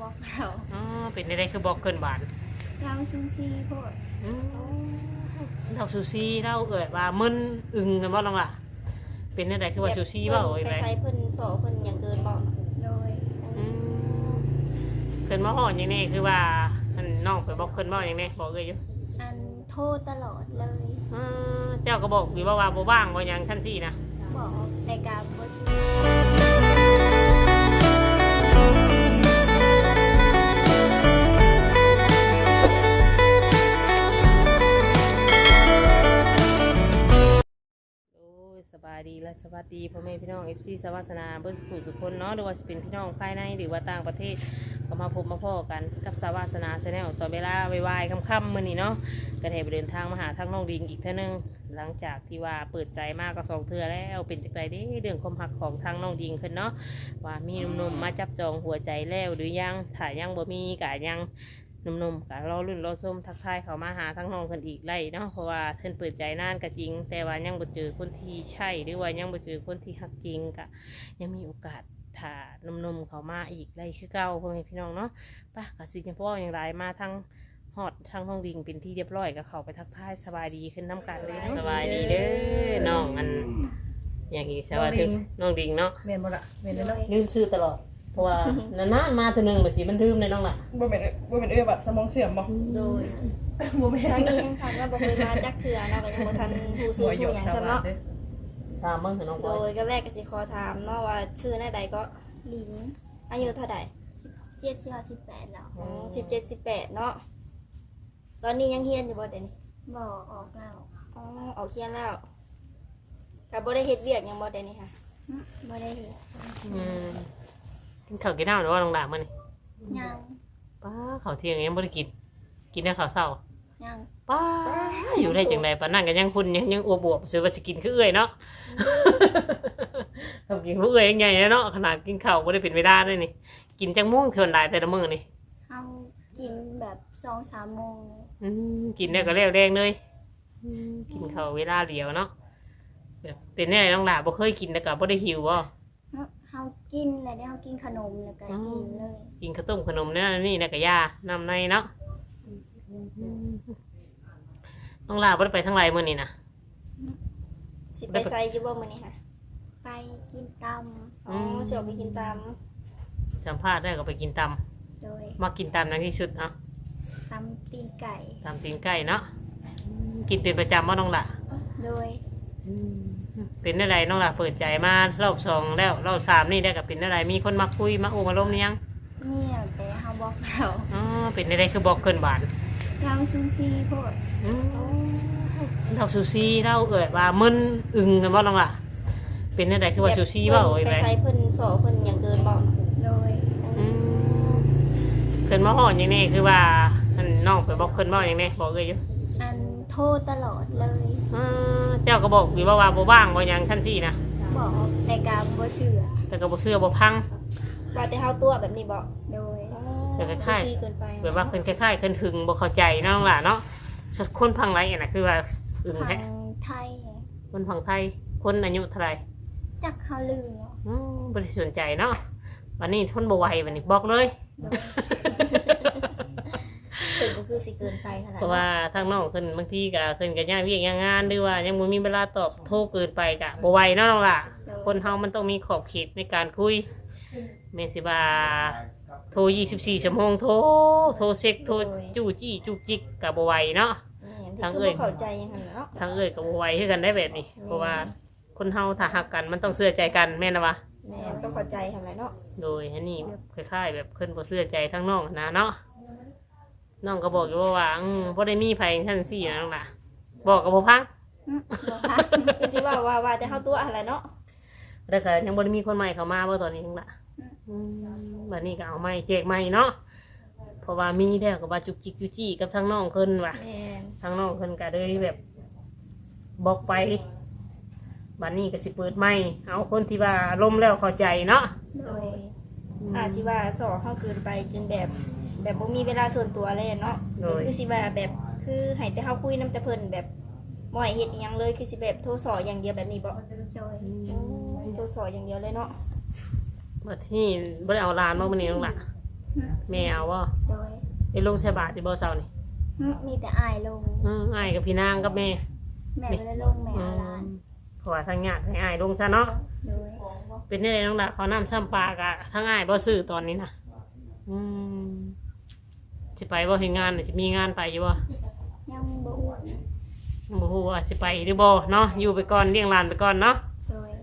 บอกเราอ๋อเป็นได้คือบล็อกเกินบาทเราซูซีโพดเราซูซี่เราว่ามึนอึงกันบ่ลองล่ะเป็นได้คือว่าซูซี่บ่โอ้ยไปไรใช้เพิ่นสอเพิ่นอย่างเกินบ่โดยเพิ่นมาฮ้อนอย่างนี้คือว่าอันน้องไปบอกเพิ่นบ่อย่างนี้บอกเลยอยู่อันโทษตลอดเลยเจ้าก็บอกอยู่ว่าบ่ว่างบ่หยังคั่นซี่นะบอกแต่การบ่เชื่อโอ้ยสบายดีและสวัสดีพ่อแม่พี่น้อง FC สวัสนาเบิ่สุขสุขคนเนาะหรือว่าสิเป็นพี่น้องภายในหรือว่าต่างประเทศก็มาพบมาพ้อกันกับสวัสนาแชนแนลตอนเวลาบ่ายๆค่ำๆมื้อนี้เนาะก็ได้ไปเดินทางมาหาทางน้องดิงอีกเทื่อนึงหลังจากที่ว่าเปิดใจมากก็2เทื่อแล้วเป็นจังไดเด้เรื่องความรักของทางน้องดิงขึ้นเนาะว่ามีหนุ่มๆมาจับจองหัวใจแล้วหรือยังถ้ายังบ่มีก็ยังหนุ่มๆก็รอรุ่นรอส้มทักทายเขามาหาทั้งน้องคนอีกไล่เนาะเพราะว่าเพิ่นเปิดใจนานก็จริงแต่ว่ายังบ่เจอคนที่ใช่หรือว่ายังบ่เจอคนที่ฮักจริงก็ยังมีโอกาสถ้าหนุ่มๆเขามาอีกไล่คือเก่าพ่อแม่พี่น้องเนาะป่ะก็สิจังพ่ออย่างไรมาทั้งฮอดทั้งห้องดิงเป็นที่เรียบร้อยก็เข้าไปทักทายสบายดีขึ้นน้ำกันเลยเนาะสบายดีเด้อน้องอันอย่างนี้สบายดีน้องดิงเนาะเมียนบ่ละเมียนเลยเนาะลืมชื่อตลอดเพราะว่านานๆมาเทีนึงแบบสิมันลืมเลยน้องล่ะบ่แม่นบัดสมองเสื่อมบ่โดยบ่แม่ทางนนี้ยังคันว่าบ่เคยมาจักเทื่อเนาะก็ยังบ่ทันผู้ซื้อผู้หยังซะเนาะตามเบิ่งให้น้องโดบอยยก็แรกก็สิขอถามเนาะว่าชื่อหน้าใดก็ลิงอายุเท่าใด 7-18แล้ว 17 18เนาะตอนนี้ยังเรียนอยู่บ่เดี๋ยวนี้บอกออกแล้วอ๋อออกเรียนแล้วก็บ่ได้เฮ็ดเวียกหยังบ่เดี๋ยวนี้ค่ะบ่ได้เห็นกินข้าวกินน้ำหรือว่าน้องด่ามื้อนี่ยังป้าข้าวเที่ยงยังบ่ได้กินกินแต่ข้าวเช้ายังป้าอยู่ได้จังไดปานนั้นก็ยังคุณยังอวบๆสิว่าสิกินคือเอื้อยเนาะ ทำกินคือเอื้อยยังไงเนาะขนาดกินข้าวบ่ได้เป็นเวลาเลยนี่กินจังมุ่งเท่าใดแต่ละมื้อนี่เอากินแบบ2-3 โมงกินได้ก็แล้วแรงเลยกินข้าวเวลาเดียวเนาะแบบเป็นแน่น้องด่าบ่เคยกินแต่ก็บ่ได้หิวบ่เฮากินแล้วได้เฮากินขนมแล้วก็กินเลยกินข้าวต้มขนมนั่นนี่นะกะยาน้ำในเนาะน้องลาบ่ได้ไปทั้งไรมื้อนี้นะสิไปไสอยู่บ่มื้อนี้ค่ะไปกินตอ๋อสิออกไปกินตามสัมภาษณ์ได้ก็ไปกินตำโดยำมากินตำนั่นที่สุดเนาะตำตีนไก่ตำตีนไก่เนาะกินเป็นประจำว่าน้องละโดยเป็นอะไรน้องละเปิดใจมารอบ2แล้วรอบ3นี่ได้กับเป็นอะไรมีคนมาคุยมาโอ้มาล้มยังมีแต่เฮาบอกเราอ๋อเป็นอะไรคือบอกเกินบาทเราซูซีโพดเราซูซี่เราว่ามึนอึงกันว่าน้องละเป็นอะไรคือว่าซูซี่ว่าโอ้ยไปไรใช้เพิ่นสอเพิ่นอย่างเกินบ่โดยเพิ่นมาห่อนอย่างนี้คือว่าอันน้องไปบอกเพิ่นบอกอย่างนี้บอกเลยอยู่อันโทษตลอดเลยเจ้าก็บอกอยู่ว่าบ่ว่างบ่หยังคั่นซี่นะบอกแต่การบ่เชื่อแต่ก็บ่เชื่อบ่พังว่าแต่เฮาตัวแบบนี้บ่โดยแต่คล้ายๆขี้เกินไปแบบว่าเพิ่นคล้ายๆเพิ่นถึงบ่เข้าใจน้องล่ะเนาะสุดคนพังไรน่ะคือว่าอึ้งทาแท้งไทยคนพังไทยคนอายุเท่าไหร่จักเขาลืมเนาะบ่ได้สนใจเนาะวันนี้ทนบ่ไหววันนี้บอกเลยโดยถึงก็คือสิเกินไปขนาดเพราะว่าทางน้องเพิ่นบางทีก็เพิ่นก็ย่างเวียกย่างงานหรือว่ายังบ่มีเวลาตอบโทรเกินไปก็บ่ไหวเนาะน้องล่ะคนเฮามันต้องมีขอบเขตในการคุยแม่นสิว่าโทร24ชั่วโมงโทรเช็คโทรจู้จี้จุกจิกก็บ่ไหวเนาะทางเอ้ยเข้าใจยังไงเนาะทางเอ้ยก็บ่ไหวคือกันได้แบบนี้เพราะว่าคนเฮาถ้าฮักกันมันต้องเชื่อใจกันแม่นนะวะแม่ต้องเข้าใจทำไรเนาะโดยอันนี้แบบคล้ายๆแบบเพิ่นบ่เชื่อใจทั้งน้องนะเนาะน้องก็บอกอยู่ว่าบ่ได้มีไผทั้งสี่นะน้องล่ะบอกก็บ่พังบอกค่ะคือสิว่าแต่เฮาตัวอะไรเนาะแล้วก็ยังบ่ได้มีคนใหม่เข้ามาบ่ตอนนี้น้องล่ะบัดนี้ก็เอาใหม่แจกใหม่เนาะเพราะว่ามีแล้วก็ว่าจุกจิกจุจี้กับทั้งน้องเพิ่นว่ะแม่ทั้งน้องเพิ่นก็เลยแบบบอกไปบัดนี้ก็สิเปิดใหม่เอาคนที่ว่าล้มแล้วเข้าใจเนาะโดยสิว่าสอเฮาเกินไปจนแบบบ่มีเวลาส่วนตัวเลยเนาะคือสิว่าแบบคือให้แต่เฮาคุยนำแต่เพิ่นแบบบ่ให้เฮ็ดอีหยังเลยคือสิแบบโทรสออย่างเดียวแบบนี้บ่โดยโทรสออย่างเดียวเลยเนาะบัดนี้บ่ได้เอาหลานมามื้อนี้น้องล่ะแม่เอาบ่โดยได้ลงใส่บาตรที่บ่เช้านี่มีแต่อายลงอ้ายกับพี่นางกับแม่แม่บ่ได้ลงแม่เอาหลานเพราะว่าทางญาติให้อ้ายลงซะเนาะโดยเป็นได้น้องละเขาน้ำซ้ำปลากะทั้งอ้ายบ่ซื้อตอนนี้นะสิไปบ่เฮ็ดงานน่ะสิมีงานไปอยู่บ่ยังบ่อ้วนบ่ฮู้ว่าสิไปหรือบ่เนาะอยู่ไปก่อนเลี้ยงหลานไปก่อนเนาะโดย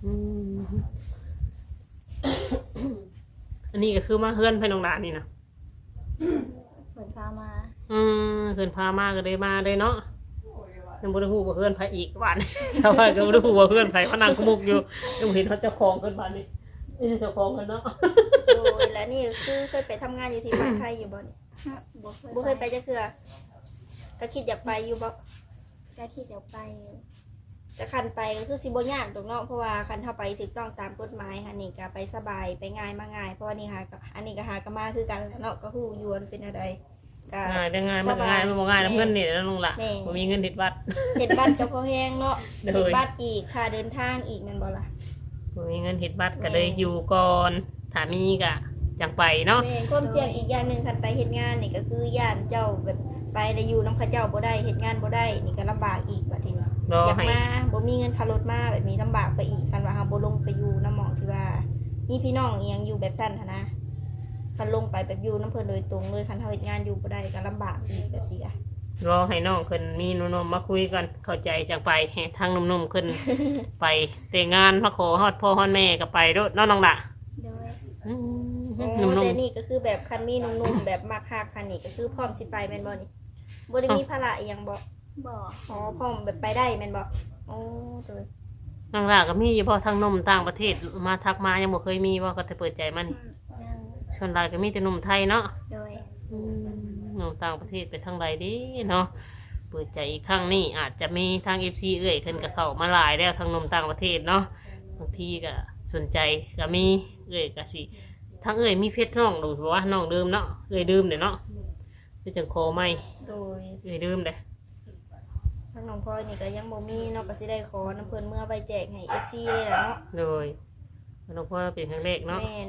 อันนี้ก็คือมาเฮือนไปน้องละนี่นะเพิ่นพามาเฮือนพามาก็ได้มาเลยเนาะยังบ่ได้ฮู้ว่าเฮือนไผอีกบ้าน ชาวบ้านก็บ่ได้ฮู้ว่าเฮือนไผเขานั่งกุมุกอยู่ยังเห็นเขาเจ้าของเพิ่นบ้านนี่เจ้าของเพิ่นเนาะโดยแล้วนี่คือเคยไปทำงานอยู่ที่บ้านไทยอยู่บ่นี่ บ่เคยไปจักเทื่อก็คิดอยากไปอยู่บ่ก็คิดจะไปแต่คันไปก็คือสิบ่ยากดอกเนาะเพราะว่าคันเฮาไปถูกต้องตามกฎหมายค่ะนี่ก็ไปสบายไปง่ายมาง่ายเพราะว่านี่หาก็อันนี้ก็หาก็มาคือกันเนาะก็ฮู้อยู่ว่ามันเป็นอะไรก็ง่ายได้ง่ายมันก็ง่ายมันบ่ง่ายนะเพิ่นนี่แล้วน้องละบ่มีเงินติดบัตรเฮ็ดบัตรก็พอแพงเนาะโดยเฮ็ดบัตรอีกค่าเดินทางอีกนั่นบ่ล่ะบ่มีเงินเฮ็ดบัตรก็เลยอยู่ก่อนถ้ามีก็จังไปเนาะแม่นความเสี่ยงอีกอย่างหนึงคันไปเฮ็ดงานนี่ก็คือย่านเจ้าแบบไปได้อยู่นำเขาเจ้าบ่ได้เฮ็ดงานบ่ได้นี่ก็ลำบากอีกบัดทีนี้รออยากให้มาบ่มีเงินค่ารถมาแบบนี้ลำบากไปอีกคันว่าเฮาบ่ลงไปอยู่น้ำหมองที่ว่ามีพี่น้องอีหยังอยู่แบบซั่นหันนะคันลงไปแบบอยู่น้ำเพิ่นโดยตรงเลยคันเฮาเฮ็ดงานอยู่บ่ได้ก็ลำบากอีกแบบสิอ่ะรอให้น้องขึ้นมีหนุ่มๆมาคุยกันเข้าใจจังไปให้ทางหนุ่มๆขึ้น ไปแต่งงานมาขอฮอดพ่อฮอดแม่ก็ไปโดดเนาะน้องละโดยหนุ่มแต่นี่ก็คือแบบคันมีหนุ่มๆแบบมักฮักคันนี่ก็คือพร้อมสิไปแม่นบ่นี่บ่ได้มีภาระอีหยังบ่บ่อ๋อพร้อมแบบไปได้แม่นบ่โอ้โดยๆน้องละก็มีอยู่พอทางหนุ่มต่างประเทศมาทักมายังบ่เคยมีว่าก็จะเปิดใจมันยังชวนหลายก็มีแต่หนุ่มไทยเนาะโดยหนุ่มต่างประเทศไปทางใดดีเนาะเปิดใจอีกครั้งนี่อาจจะมีทาง FC เอ่ยขึ้นกับเขามาหลายแล้วทางหนุ่มต่างประเทศเนาะบางทีก็สนใจก็มีเอ่ยก็สิทางเอ่ยมีเพชรน้องดูว่าน้องดื่มเนาะเอ่ยดื่มเด้เนาะคือจังโคไม่โดยเอ่ยดื่มเด้ทางน้องพลอยนี่ก็ยังบ่มีเนาะก็สิได้ขอน้ำเพิ่นเมื่อไปแจกให้ FC เลยล่ะเนาะโดยน้องพ่อเป็นครั้งแรกเนาะแม่น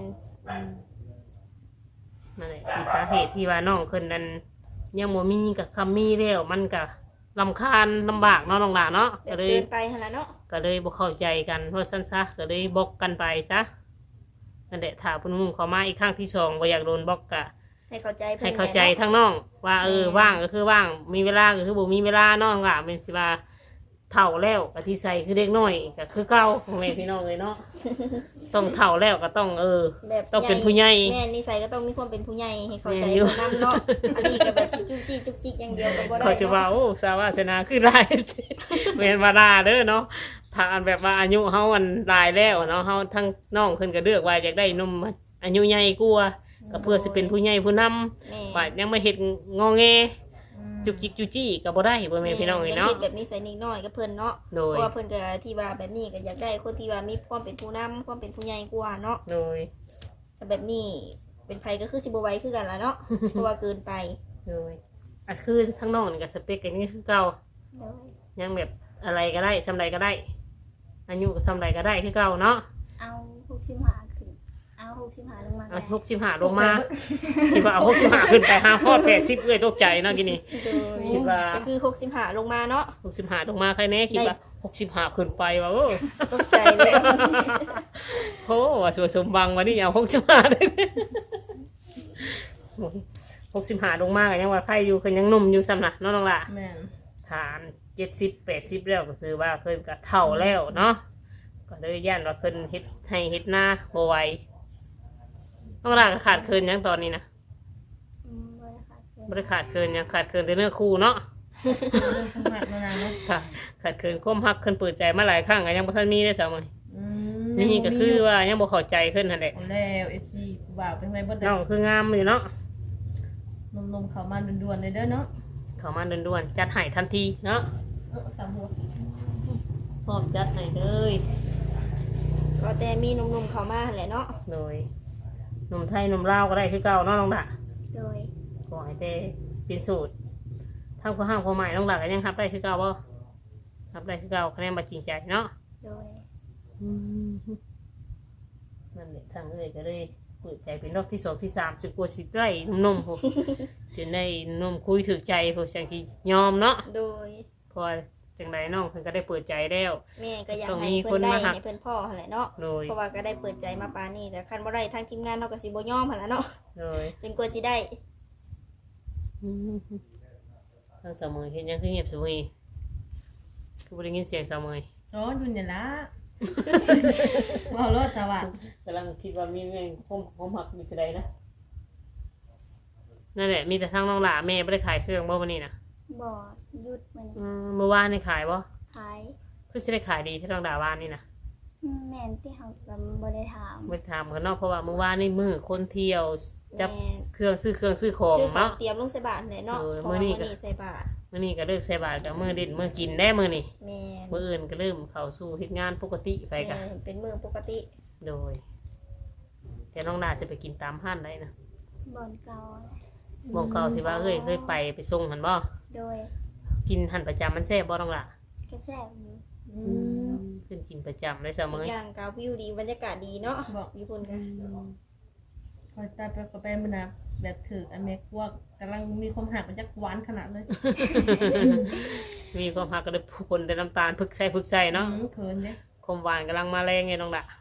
นั่นแหละสิสาเหตุที่ว่าน้องคนนั้นยังบ่มีกับคำมีแล้วมันก็ลำคาญลำบากเนาะน้องหลานเนาะแบก็บเลยเกินไปหั่นล่ะเนาะก็เลยบ่เข้าใจกันเพราะสั้นซะก็เลยบล็อกกันไปซะนั่นแหละถ้าพุ่นมุมเขามาอีกครั้งที่สองบ่อยากโดนบล็อกกะให้เข้าใจเพิ่นให้เข้าใจทั้งน้องว่าว่างก็คือว่างมีเวลาก็คือบ่มีเวลาน้องล่ะเป็นสิว่าเฒ่าแล้วก็ที่ใส่คือเด็กน้อยก็คือเก่าพ่อแม่พี่น้องเลยเนาะ ต้องเฒ่าแล้วก็ต้องแบบต้องเป็นผู้ใหญ่แม่นนิสัยก็ต้องมีความเป็นผู้ใหญ่ให้เข้าใจแม่นอยู่เพิ่นนำเนาะอันนี้ก็แบบจุกจิกจุกจิกอย่างเดียวก็บ่ได้เขาสิว่าโอ้สาวาสนาคือหลาย แม่นว่าด่าเด้อเนาะถ้าอันแบบว่าอายุเฮาอันหลายแล้วเนาะเฮาทั้งน้องเพิ่นก็เลือกว่าอยากได้หนุ่มอายุใหญ่กว่าก็เพื่อสิเป็นผู้ใหญ่ผู้นำแม่ว่ายังไม่เฮ็ดงอแงจุกจิกจุจี้ก็บ่ได้บ่แม่นพี่น้องเอ้ยเนาะยังคิดแบบนิสัยนิดน้อยกับเพิ่นเนาะโดเพยราะว่าเพิ่นก็ที่ว่าแบบนี้ก็อยากได้คนที่ว่ามีความเป็นผู้นำความเป็นผู้ใหญ่กว่าเนาะโดยแต่แบบนี้เป็นไผก็คือสิบ่ไหวคือกันล่ะเนาะ เพราะว่าเกินไปโดยอ่ะคือทั้งน้องนี่ก็สเปคกันนี่คือเก่าโดยยังแบบอะไรก็ได้ซำใดก็ได้อายุก็ซำใดก็ได้คือเก่าเนาะเอา65ขึ้นเอา65ลงมาเอา65ลงมาคิดว่าเอา65ขึ้นไป5ฮอด80เอ้ยตกใจเนาะกินนี่โดยคิดว่าก็คือ65ลงมาเนาะ 65ลงมาใครแน่คิดว่า65ขึ้นไปว่าโอ้ตกใจเลยโหว่าสวยสมบังวันนี้เอา65ได้65ลงมาก็ยังว่าใครอยู่คือยังหนุ่มอยู่ซ้ำน่ะเนาะน้องล่ะแม่นฐาน70-80แล้วก็คือว่าเคยกับเท่าแล้วเนาะก็เลยย่านว่าเพิ่นเฮ็ดให้เฮ็ดหน้าบ่ไหวต้องร่างก็ขาดเคินหยังตอนนี้นะบ่ได้ขาดเกินบ่ได้ขาดเคินหยังขาดเคินแต่เนื้อคู่เนาะเรื่องของหมักมานานเนาะค่ะขาดเคินความฮักเคินเปิดใจมาหลายครั้งก็ยังบ่ทันมีได้ซะมื้ออืนี่ก็คือว่ายังบ่เข้าใจเพิ่นนั่นแหละเอาแล้ว FC ผู้บ่าวเป็นไงบ่ได้น้องคืองามอยู่เนาะนมๆเข้ามาด่วนๆเลยเด้อเนาะเข้ามาด่วนๆจัดให้ทันทีเนาะสามหัวพร้อมจัดให้เลยก็แต่มีหนุ่มๆเข้ามาหั่นแหละเนาะโดยหนุ่มไทยหนุ่มลาวก็ได้คือเก่าเนาะน้องดะโดยขอให้ได้เป็นสูตรทำข้อห้ามข้อหมายน้องหลักก็ยังรับได้คือเก่าบ่รับได้คือเก่าคะแนนมาจริงใจเนาะโดยนั่นแหละทางเอ้ยก็เลยเปิดใจเป็นรอบที่2ที่3จนกว่าสิได้หนุ่มๆพวก จนได้หนุ่มคุยถึกใจพวกจังสิยอมเนาะโดยเพราะว่าจังไดน้องเพิ่นก็ได้เปิดใจแล้วแม่ก็อยากต้องให้มีเพิ่นได้คนมาหักให้เพิ่นพ่อหั่นแหละเนาะโดยเพราะว่าก็ได้เปิดใจมาปานนี้แต่คันบ่ได้ทางทีมงานเฮาก็สิบ่ยอมหั่นแหละเนาะโดยจนกว่าสิได้ทางสาวเมยเห็นยังคือเงียบสาวเมยคือบ่ได้ยินเสียงสาวเมยอ๋ออยู่เนี่ยละว่าวรถสวัสดิ์กำลังคิดว่ามีแม่งผมหักอยู่จะใดนะนั่นแหละมีแต่ทางน้องหล่าแม่บ่ได้ขายเครื่องบ่วันนี้นะบ่หยุดมื้อนี้เมื่อวานนี่ขายบ่ขายคือสิได้ขายดีที่น้องดาวานนี่นะแม่นที่เฮาก็บ่ได้ถามไปถามกันเนาะเพราะว่าเมื่อวานนี่มือคนเที่ยวจับแม่เครื่องซื้อของชื่อของเนาะเตรียมลงใส่บาตรแหละเนาะเออเพราะมื้ว่าอนี้มื้อก็นี้ใส่บาตรมื้อนี้ก็เลิกใส่บาตรกับมื้อดินมื้อกินได้มื้อนี้แม่นมื้ออื่นก็เริ่มเข้าสู่เฮ็ดงานปกติไปกันแม่นเป็นมื้อปกติโดย แต่น้องดาจะไปกินตามห้านได้นะบ่อนเก่าหมองเก่าที่ว่าเคยไปส่งหันบ่โดยกินหันประจำมันแซ่บบ่น้องล่ะกระแสอยู่ขึ้นกินประจำเลยเสมอีอกอย่างก็วิวดีบรรยากาศดีเนาะบอกอยู่พุ่นกันคอยตายไปก็ไปมันนะแบบถืออันเมฆว่ากำลังมีความหักมันจะหวานขนาดเลยมีความหักก็ได้ผู้คนได้น้ำตาลพึกใส่เนาะเขินเนี่ยความหวานกำลังมาแรงไงน้องล่ะ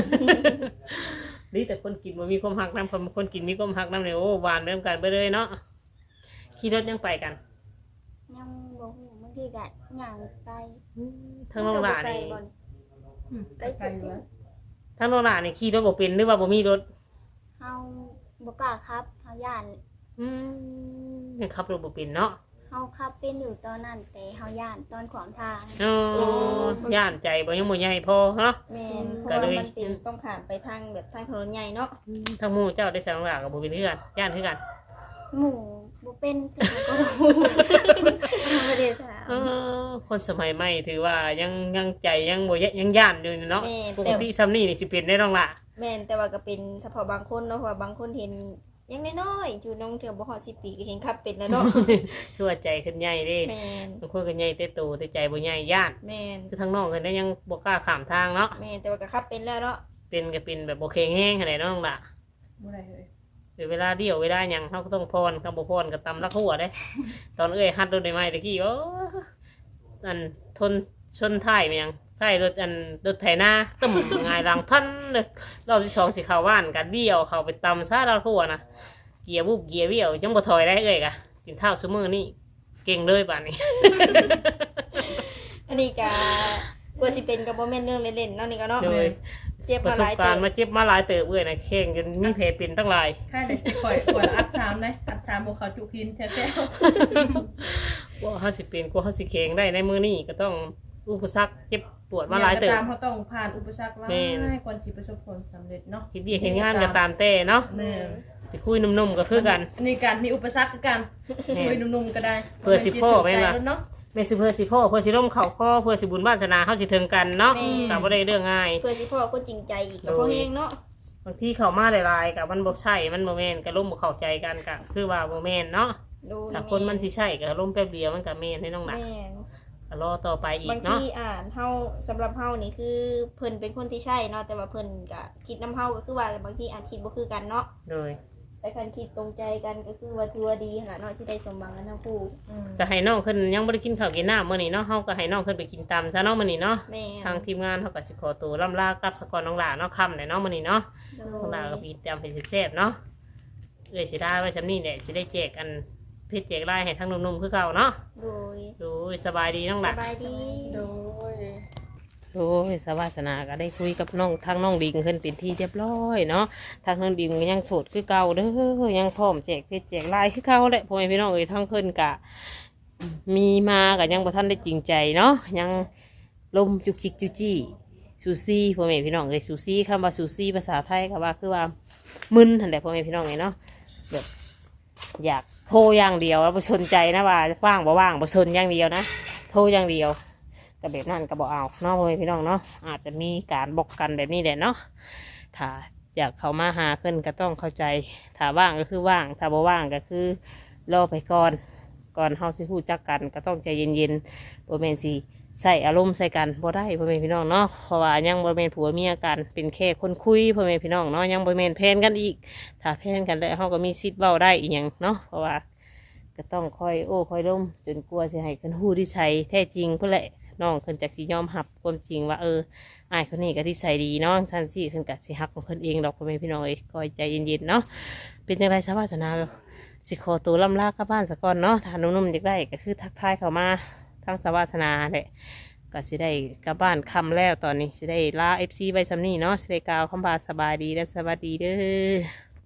นี่แต่คนกินมันมีความหักน้ำคนกินมีความหักน้ำเนี่ยโอ้หวานเริ่มกันไปเลยเนาะขี่รถยังไปกันยังบ่ฮู้บางทีก็ย่างไกลทั้งน้องล่ะนี่ไกลๆอยู่วะทั้งน้องล่ะนี่ขี่รถบ่เป็นหรือว่าบ่มีรถเฮาบ่กล้าขับเฮาย่านยังขับรถบ่เป็นเนาะเฮาขับเป็นอยู่ตอนนั้นแต่เฮาย่านตอนขวางทางอ๋อย่านใจบ่ยังบ่ใหญ่พอเนาะแม่นเพก็ราะเลว่าย มันเป็นต้องข้ามไปทางแบบทางถนนใหญ่เนาะทั้งหมู่เจ้าได้ใส่น้องล่ะกับบ่เป็นคือกันย่านคือกันหมู่บ่เป็นแต่ก็รู้บ่ได้ถามคนสมัยใหม่ถือว่ายังใจยังบ่ยังย่านอยู่เนาะแม่ปกแต่ติซ้ำนี่นี่สิเป็นได้น้องล่ะแม่นแต่ว่าก็เป็นเฉพาะบางคนเนาะเพราะว่าบางคนเห็นยังน้อยๆอยู่น้องเถื่อบ่ฮอด10 ปีก็เห็นขับเป็นแล้วเนาะคือว่าใจขึ้นใหญ่เด้แม่นบางคนก็ใหญ่แต่โตแต่ใจบ่ใหญ่ย่านแม่นคือทางน้องเพิ่นได้ยังบ่กล้าข้ามทางเนาะแม่นแต่ว่าก็ขับเป็นแล้วเนาะเป็นก็เป็นแบบบ่แข็งแรงขนาดน้องล่ะบ่ได้เลยเดี๋ยวเวลาเดียวเวลาหยังเฮาก็ต้องพรคำบ่พรก็ตำลักหัวเด้ ตอนเอ้ยฮัดรถได้ไหมตะกี้โอ้อันทนชนท้ายมันยังท้ายรถอันรถไถนาตึ้มหงายหลังทันเลยรอบที่2สิเข้าบ้านก็เดี่ยวเข้าไปตำซะลักหัวนะเกียร์บุบเกียร์เบี้ยวยังบ่ถอยได้เอ้ยกะกินข้าวซุมื้อนี้เก่งเลยบัดนี้อันนี้ก็กว่าสิเป็นก็บ่แม่นเรื่องเล่นๆเนาะนี่ก็เนาะโดยเจ็บประมาสหบลายการเติณ์บมาเจ็บมาหลายเติบเอ้ยนะแข่งจนมีแผลเป็นตั้งหลายค่ายแต่สิข่อยอัดชามเลยอัดชามบวเขาจุกินแท้ว่าเฮาสิเป็นกว่าเฮาสิแข็งได้ในมื้อนี้ก็ต้องอุปสรรคเจ็บปวดๆมาหลายเติบตามเขาต้องผ่านอุปสรรคหลาแม่นยก่อนสิประสบผลสำเร็จเนาะเฮ็ดเวียกเฮ็ดงานก็ตามแต่เนาะแม่นสิคุยนุ่มๆก็คือกันอันนี้การมีอุปสรรคคือกันแม่นคุยนุ่มๆก็ได้เพื่อสิพ่อแม่นล่ะใจเนาะแม่นสิเพื่อสิพ่อเพื่อสิร่มเข้าคอเพื่อสิบุญวาสนาเฮาสิถึงกันเนาะก็บ่ได้เรื่องง่ายเพื่อสิพ่อคนจริงใจอีกก็พอแฮงเนาะบางทีเข้ามาหลายๆก็มันบ่ใช่มันบ่แม่นก็ร่มบ่เข้าใจกันก็คือว่าบ่แม่นเนาะดูถ้าคนมันสิใช่ก็ร่มแป๊บเดียวมันก็แม่นให้น้องหนักแม่นก็รอต่อไปอีบาก งเนาะทีเฮาสำหรับเฮานี่คือเพิ่นเป็นคนที่ใช่เนาะแต่ว่าเพิ่นก็คิดนำเฮาก็คือว่าบางทีคิดบ่คือกันเนาะโดยแต่คันคิดตรงใจกันก็คือว่าถือว่าดีขนาดเนาะที่ได้สมหวังกันทั้งคู่ก็ให้น้องขึ้นยังบ่ได้กินข้าวกินน้ำมื้อนี้เนาะเฮาก็ให้น้องขึ้นไปกินตำซะเนาะมื้อนี้เนาะแม่นทางทีมงานเฮาก็สิขอตัวล่ำลากลับสกอนน้องหลาเนาะค่ำเนาะมื้อนี้เนาะโดน้องหลาก็ยมีตำให้แซ่บๆเนาะเอ้ยสิได้ไว้ซำนี้แหละสิได้แจกอันเพชรแจกลายให้ทั้งหนุ่มๆคือเก่าเนาะโดยดูสบายดีน้องหสลาบายดีโดยโอ้ยสวาสนาก็ได้คุยกับน้องทางน้องดิงขึ้นเป็นที่เรียบร้อยเนาะทางน้องดิงก็ยังโสดคือเก่าเด้อยังพร้อมแจกเพชรแจกลายคือเก่าแหละพ่อแม่พี่น้องเอ้ยทั้งขึ้นกะมีมาก็ยังบ่ทันได้จริงใจเนาะยังลมจุกจิกจุจี้ซูซี่พ่อแม่พี่น้องเอ้ยซูซี่คำว่าซูซี่ภาษาไทยก็ว่าคือว่ามึนหั่นแหละพ่อแม่พี่น้องเอ้ยเนาะแบบอยากโทรอย่างเดียวแล้วบ่สนใจนะว่าว่างบ่ว่างบ่สนอย่างเดียวนะโทรอย่างเดียว กับแบบนั้นก็บอกเอาเนาะพ่อแม่พี่น้องเนาะอาจจะมีการบอกกันแบบนี้แหละเนาะถ้าอยากเข้ามาหาขึ้นก็ต้องเข้าใจถ้าว่างก็คือว่างถ้าบ่ว่างก็คือรอไปก่อนเฮาสิฮู้จักกันก็ต้องใจเย็นๆบ่แม่นสิใส่อารมณ์ใส่กันบ่ได้พ่อแม่พี่น้องเนาะเพราะว่ายังบ่แม่นผัวเมียกันเป็นแค่คนคุยพ่อแม่พี่น้องเนาะยังบ่แม่นแพนกันอีกถ้าแพนกันแล้วเฮาก็มีสิทธิ์เว้าได้อีหยังเนาะเพราะว่าก็ต้องคอยโอ้คอยล้มจนกลัวสิให้เพิ่นฮู้ที่ใช่แท้จริงเพิ่นแหละน้องเพิ่นจักสิยอมรับความจริงว่าอ้ายคนนี้ก็ที่ใส่ดีเนาะซั่นสิเพิ่นก็สิฮักของเพิ่นเองดอกพ่อแม่พี่น้องเอ้ยคอยใจเย็นๆเนาะเป็นจังได๋สาวาสนาสิขอตัวล่ำลากลับบ้านซะก่อนเนาะถ้าหนุ่มๆอยากได้ก็คือทักทายเข้ามาทางสาวาสนาแหละก็สิได้กลับบ้านค่ำแล้วตอนนี้สิได้ลา FC ไว้ซำนี้เนาะสิได้กล่าวคำว่าสบายดีและสวัสดีเด้อ